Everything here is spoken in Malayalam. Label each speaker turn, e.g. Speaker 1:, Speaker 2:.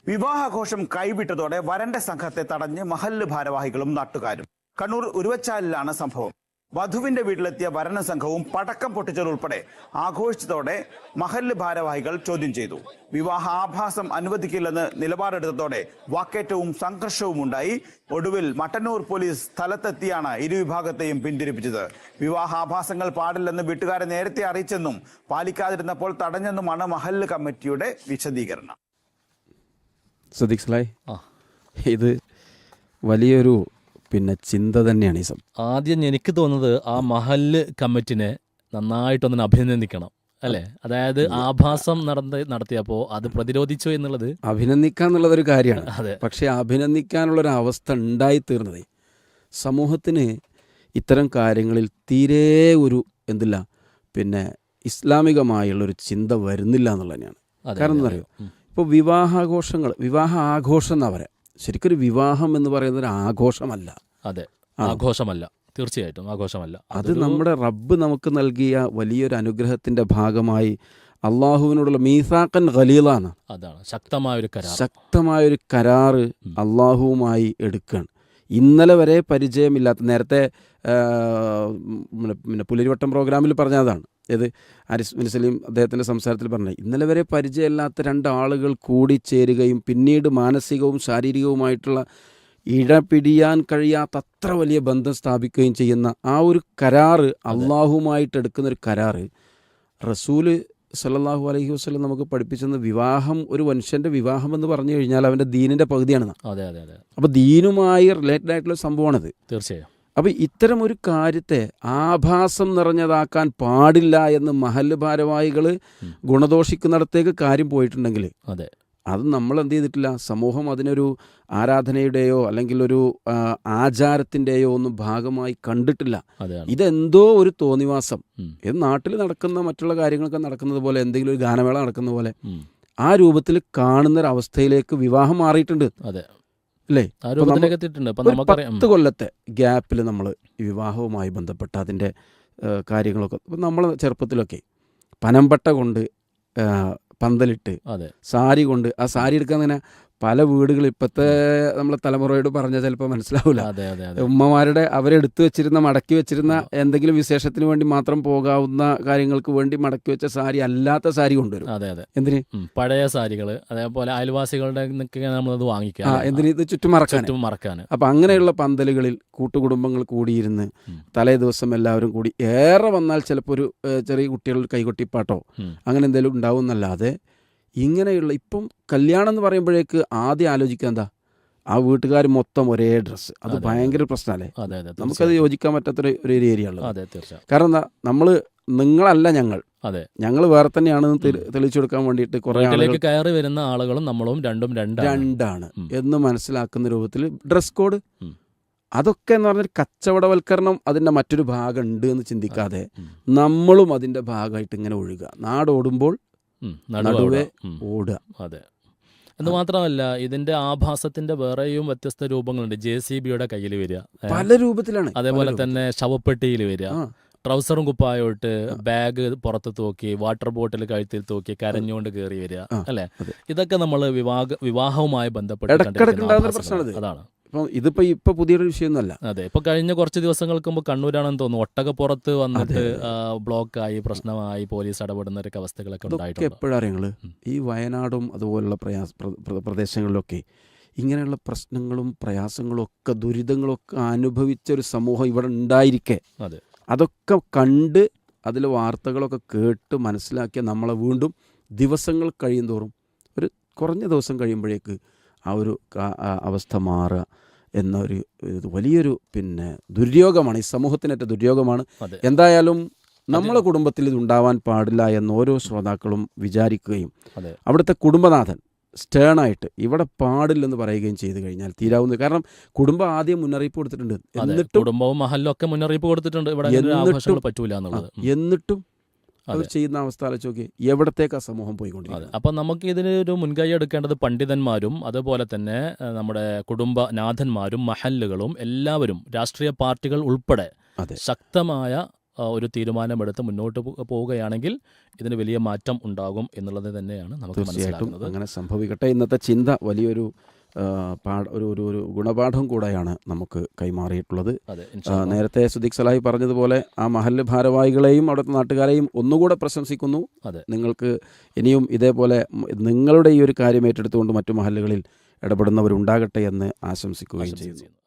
Speaker 1: വിവാഹാഘോഷം കൈവിട്ടതോടെ വരന്റെ സംഘത്തെ തടഞ്ഞ് മഹല്ല് ഭാരവാഹികളും നാട്ടുകാരും. കണ്ണൂർ ഉരുവച്ചാലിലാണ് സംഭവം. വധുവിന്റെ വീട്ടിലെത്തിയ വരന സംഘവും പടക്കം പൊട്ടിച്ചതുൾപ്പെടെ ആഘോഷിച്ചതോടെ മഹല്ല് ഭാരവാഹികൾ ചോദ്യം ചെയ്തു. വിവാഹ ആഭാസം അനുവദിക്കില്ലെന്ന് നിലപാടെടുത്തതോടെ വാക്കേറ്റവും സംഘർഷവും ഉണ്ടായി. ഒടുവിൽ മട്ടന്നൂർ പോലീസ് സ്ഥലത്തെത്തിയാണ് ഇരുവിഭാഗത്തെയും പിന്തിരിപ്പിച്ചത്. വിവാഹാഭാസങ്ങൾ പാടില്ലെന്ന് വീട്ടുകാരെ നേരത്തെ അറിയിച്ചെന്നും പാലിക്കാതിരുന്നപ്പോൾ തടഞ്ഞെന്നുമാണ് മഹല്ല് കമ്മിറ്റിയുടെ വിശദീകരണം.
Speaker 2: ഇത് വലിയൊരു ചിന്ത തന്നെയാണ്. ഈ
Speaker 3: ആദ്യം എനിക്ക് തോന്നുന്നത് ആ മഹല്ല് കമ്മിറ്റിനെ നന്നായിട്ടൊന്ന് അഭിനന്ദിക്കണം, അല്ലേ? അതായത് ആഭാസം നടത്തിയപ്പോൾ അത് പ്രതിരോധിച്ചു എന്നുള്ളത്
Speaker 2: അഭിനന്ദിക്കാന്നുള്ളതൊരു കാര്യമാണ്. അതെ, പക്ഷേ അഭിനന്ദിക്കാനുള്ളൊരു അവസ്ഥ ഉണ്ടായിത്തീർന്നത് സമൂഹത്തിന് ഇത്തരം കാര്യങ്ങളിൽ തീരെ ഒരു ഇസ്ലാമികമായുള്ളൊരു ചിന്ത വരുന്നില്ല എന്നുള്ളത് തന്നെയാണ്. കാരണം എന്താ പറയുക, ഇപ്പോൾ വിവാഹ ആഘോഷം എന്നാ പറയാം. ശരിക്കൊരു വിവാഹം എന്ന് പറയുന്നത് ഒരു ആഘോഷമല്ല.
Speaker 3: അതെ, ആഘോഷമല്ല, തീർച്ചയായിട്ടും ആഘോഷമല്ല.
Speaker 2: അത് നമ്മുടെ റബ്ബ് നമുക്ക് നൽകിയ വലിയൊരു അനുഗ്രഹത്തിന്റെ ഭാഗമായി അള്ളാഹുവിനോടുള്ള മീസാഖൻ ഖലീലാണ്.
Speaker 3: അതാണ്
Speaker 2: ശക്തമായൊരു കരാറ് അള്ളാഹുവുമായി എടുക്കുകയാണ്. ഇന്നലെ വരെ പരിചയമില്ലാത്ത, നേരത്തെ പുലരിവട്ടം പ്രോഗ്രാമിൽ പറഞ്ഞതാണ്, ഏത് ആരിഫ് ബിൻ സലീം അദ്ദേഹത്തിൻ്റെ സംസാരത്തിൽ പറഞ്ഞത്, ഇന്നലെ വരെ പരിചയമില്ലാത്ത രണ്ടാളുകൾ കൂടിച്ചേരുകയും പിന്നീട് മാനസികവും ശാരീരികവുമായിട്ടുള്ള ഇടപിടിയാൻ കഴിയാത്ത അത്ര വലിയ ബന്ധം സ്ഥാപിക്കുകയും ചെയ്യുന്ന ആ ഒരു കരാറ്, അള്ളാഹുമായിട്ട് എടുക്കുന്നൊരു കരാറ്, റസൂല് സല്ലല്ലാഹു അലൈഹി വസല്ലം നമുക്ക് പഠിപ്പിച്ചെന്ന് വിവാഹം, ഒരു മനുഷ്യൻ്റെ വിവാഹം എന്ന് പറഞ്ഞു കഴിഞ്ഞാൽ അവൻ്റെ ദീനിൻ്റെ പകുതിയാണ്. അപ്പോൾ ദീനുമായി റിലേറ്റഡ് ആയിട്ടുള്ള സംഭവമാണത്.
Speaker 3: തീർച്ചയായും.
Speaker 2: അപ്പോൾ ഇത്തരം ഒരു കാര്യത്തെ ആഭാസം നിറഞ്ഞതാക്കാൻ പാടില്ല എന്ന് മഹല്ല് ഭാരവാഹികൾ ഗുണദോഷിക്കുന്നിടത്തേക്ക് കാര്യം പോയിട്ടുണ്ടെങ്കിൽ അത് നമ്മൾ എന്ത് ചെയ്തിട്ടില്ല, സമൂഹം അതിനൊരു ആരാധനയുടെയോ അല്ലെങ്കിൽ ഒരു ആചാരത്തിൻ്റെയോ ഒന്നും ഭാഗമായി കണ്ടിട്ടില്ല. ഇതെന്തോ ഒരു തോന്നിവാസം, ഇത് നാട്ടിൽ നടക്കുന്ന മറ്റുള്ള കാര്യങ്ങളൊക്കെ നടക്കുന്നത് പോലെ, എന്തെങ്കിലും ഒരു ഗാനമേള നടക്കുന്ന പോലെ ആ രൂപത്തിൽ കാണുന്നൊരവസ്ഥയിലേക്ക് വിവാഹം മാറിയിട്ടുണ്ട്. അല്ലേ? 10 കൊല്ലത്തെ ഗ്യാപ്പിൽ നമ്മൾ വിവാഹവുമായി ബന്ധപ്പെട്ട അതിൻ്റെ കാര്യങ്ങളൊക്കെ, ഇപ്പം നമ്മൾ ചെറുപ്പത്തിലൊക്കെ പനമ്പട്ട കൊണ്ട് പന്തലിട്ട് സാരി കൊണ്ട്, ആ സാരി എടുക്കാൻ തന്നെ പല വീടുകളിൽ, ഇപ്പോഴത്തെ നമ്മളെ തലമുറയോട് പറഞ്ഞാൽ ചിലപ്പോൾ മനസ്സിലാവില്ല, ഉമ്മമാരുടെ അവരെടുത്തു വെച്ചിരുന്ന, മടക്കി വെച്ചിരുന്ന എന്തെങ്കിലും വിശേഷത്തിന് വേണ്ടി മാത്രം പോകാവുന്ന കാര്യങ്ങൾക്ക് വേണ്ടി മടക്കി വെച്ച സാരി അല്ലാത്ത സാരി കൊണ്ടുവരും. എന്തിന്?
Speaker 3: പഴയ സാരികൾ, അതേപോലെ അയൽവാസികളുടെ നമ്മളത് വാങ്ങിക്കാം,
Speaker 2: എന്തിന്? ഇത് ചുറ്റും മറക്കാൻ. അപ്പം അങ്ങനെയുള്ള പന്തലുകളിൽ കൂട്ടുകുടുംബങ്ങൾ കൂടിയിരുന്ന് തലേ ദിവസം എല്ലാവരും കൂടി, ഏറെ വന്നാൽ ചിലപ്പോൾ ഒരു ചെറിയ കുട്ടികളുടെ കൈകൊട്ടിപ്പാട്ടോ അങ്ങനെ എന്തെങ്കിലും ഉണ്ടാവും എന്നല്ലാതെ ഇങ്ങനെയുള്ള, ഇപ്പം കല്യാണം എന്ന് പറയുമ്പോഴേക്ക് ആദ്യം ആലോചിക്കുക എന്താ, ആ വീട്ടുകാർ മൊത്തം ഒരേ ഡ്രസ്സ്. അത് ഭയങ്കര പ്രശ്നമല്ലേ? നമുക്കത് യോജിക്കാൻ പറ്റാത്തൊരു ഏരിയ ഉള്ളത്. കാരണം എന്താ, നിങ്ങളല്ല ഞങ്ങൾ വേറെ തന്നെയാണെന്ന് തെളിയിച്ചു കൊടുക്കാൻ വേണ്ടിയിട്ട് കുറേ ആളുകൾ
Speaker 3: കയറി വരുന്ന ആളുകളും നമ്മളും രണ്ടാണ്
Speaker 2: എന്ന് മനസ്സിലാക്കുന്ന രൂപത്തിൽ ഡ്രസ് കോഡ്, അതൊക്കെ എന്ന് പറഞ്ഞൊരു കച്ചവടവൽക്കരണം അതിൻ്റെ മറ്റൊരു ഭാഗം ഉണ്ട് എന്ന് ചിന്തിക്കാതെ നമ്മളും അതിൻ്റെ ഭാഗമായിട്ട് ഇങ്ങനെ ഒഴുകുക, നാടോടുമ്പോൾ നടുവേ ഓടുക.
Speaker 3: അതെ, എന്ന് മാത്രമല്ല ഇതിന്റെ ആഭാസത്തിന്റെ വേറെയും വ്യത്യസ്ത രൂപങ്ങളുണ്ട്. JCBയുടെ കയ്യിൽ വരിക,
Speaker 2: പല രൂപത്തിലാണ്.
Speaker 3: അതേപോലെ തന്നെ ശവപ്പെട്ടിയിൽ വരിക, ട്രൗസറും കുപ്പായോട്ട് ബാഗ് പുറത്ത് തൂക്കി, വാട്ടർ ബോട്ടിൽ കഴുത്തിൽ തൂക്കി കരഞ്ഞുകൊണ്ട് കയറി വരിക, അല്ലെ? ഇതൊക്കെ നമ്മൾ വിവാഹവുമായി ബന്ധപ്പെട്ട് അതാണ്.
Speaker 2: ഇതിപ്പോ പുതിയൊരു വിഷയമൊന്നുമല്ല.
Speaker 3: അതെ, ഇപ്പൊ കഴിഞ്ഞ കുറച്ച് ദിവസങ്ങൾക്ക് മുമ്പ് കണ്ണൂരാണെന്ന് തോന്നുന്നു, ഒട്ടകപ്പുറത്ത് വന്നിട്ട് ബ്ലോക്കായി പ്രശ്നമായി പോലീസ് ഇടപെടുന്ന ഒരു അവസ്ഥകളൊക്കെ ഉണ്ടായിട്ടുണ്ട്.
Speaker 2: എപ്പോഴറിയങ്ങള് ഈ വയനാടും അതുപോലുള്ള പ്രദേശങ്ങളിലൊക്കെ ഇങ്ങനെയുള്ള പ്രശ്നങ്ങളും പ്രയാസങ്ങളും ഒക്കെ ദുരിതങ്ങളും ഒക്കെ അനുഭവിച്ച ഒരു സമൂഹം ഇവിടെ ഉണ്ടായിരിക്കെ അതൊക്കെ കണ്ട് അതിൽ വാർത്തകളൊക്കെ കേട്ട് മനസ്സിലാക്കിയ നമ്മളെ വീണ്ടും ദിവസങ്ങൾ കഴിയുന്തോറും, ഒരു കുറഞ്ഞ ദിവസം കഴിയുമ്പോഴേക്ക് ആ ഒരു അവസ്ഥ മാറുക എന്നൊരു വലിയൊരു ദുര്യോഗമാണ്, ഈ സമൂഹത്തിനേറ്റ ദുര്യോഗമാണ്. എന്തായാലും നമ്മളെ കുടുംബത്തിൽ ഇത് ഉണ്ടാവാൻ പാടില്ല എന്ന് ഓരോ ശ്രോതാക്കളും വിചാരിക്കുകയും അവിടുത്തെ കുടുംബനാഥൻ സ്റ്റേണായിട്ട് ഇവിടെ പാടില്ലെന്ന് പറയുകയും ചെയ്തു കഴിഞ്ഞാൽ തീരാവുന്നത്. കാരണം കുടുംബം ആദ്യം മുന്നറിയിപ്പ് കൊടുത്തിട്ടുണ്ട്,
Speaker 3: കുടുംബവും മഹല്ലും ഒക്കെ മുന്നറിയിപ്പ് കൊടുത്തിട്ടുണ്ട്,
Speaker 2: എന്നിട്ടും അവർ ചെയ്യുന്ന അവസ്ഥ ആലോചിച്ച് നോക്കി, എവിടത്തേക്കാ സമൂഹം പോയിക്കൊണ്ടിരിക്കുന്നത്.
Speaker 3: അപ്പം നമുക്ക് ഇതിനൊരു മുൻകൈ എടുക്കേണ്ടത് പണ്ഡിതന്മാരും അതുപോലെ തന്നെ നമ്മുടെ കുടുംബനാഥന്മാരും മഹല്ലുകളും എല്ലാവരും, രാഷ്ട്രീയ പാർട്ടികൾ ഉൾപ്പെടെ ശക്തമായ ഒരു തീരുമാനമെടുത്ത് മുന്നോട്ട് പോവുകയാണെങ്കിൽ ഇതിന് വലിയ മാറ്റം ഉണ്ടാകും എന്നുള്ളത് തന്നെയാണ് നമുക്ക്
Speaker 2: തീർച്ചയായിട്ടും
Speaker 3: മനസ്സിലാക്കുന്നത്.
Speaker 2: അങ്ങനെ സംഭവിക്കട്ടെ. ഇന്നത്തെ ചിന്ത വലിയൊരു ഒരു ഗുണപാഠം കൂടെയാണ് നമുക്ക് കൈമാറിയിട്ടുള്ളത്.
Speaker 3: അതെ,
Speaker 2: നേരത്തെ സുദീഖ് സലാഹി പറഞ്ഞതുപോലെ ആ മഹല്ല് ഭാരവാഹികളെയും അവിടുത്തെ നാട്ടുകാരെയും ഒന്നുകൂടെ പ്രശംസിക്കുന്നു.
Speaker 3: അതെ,
Speaker 2: നിങ്ങൾക്ക് ഇനിയും ഇതേപോലെ നിങ്ങളുടെ ഈ ഒരു കാര്യം ഏറ്റെടുത്തുകൊണ്ട് മറ്റു മഹല്ലുകളിൽ ഇടപെടുന്നവരുണ്ടാകട്ടെ എന്ന് ആശംസിക്കുകയും ചെയ്യുന്നു.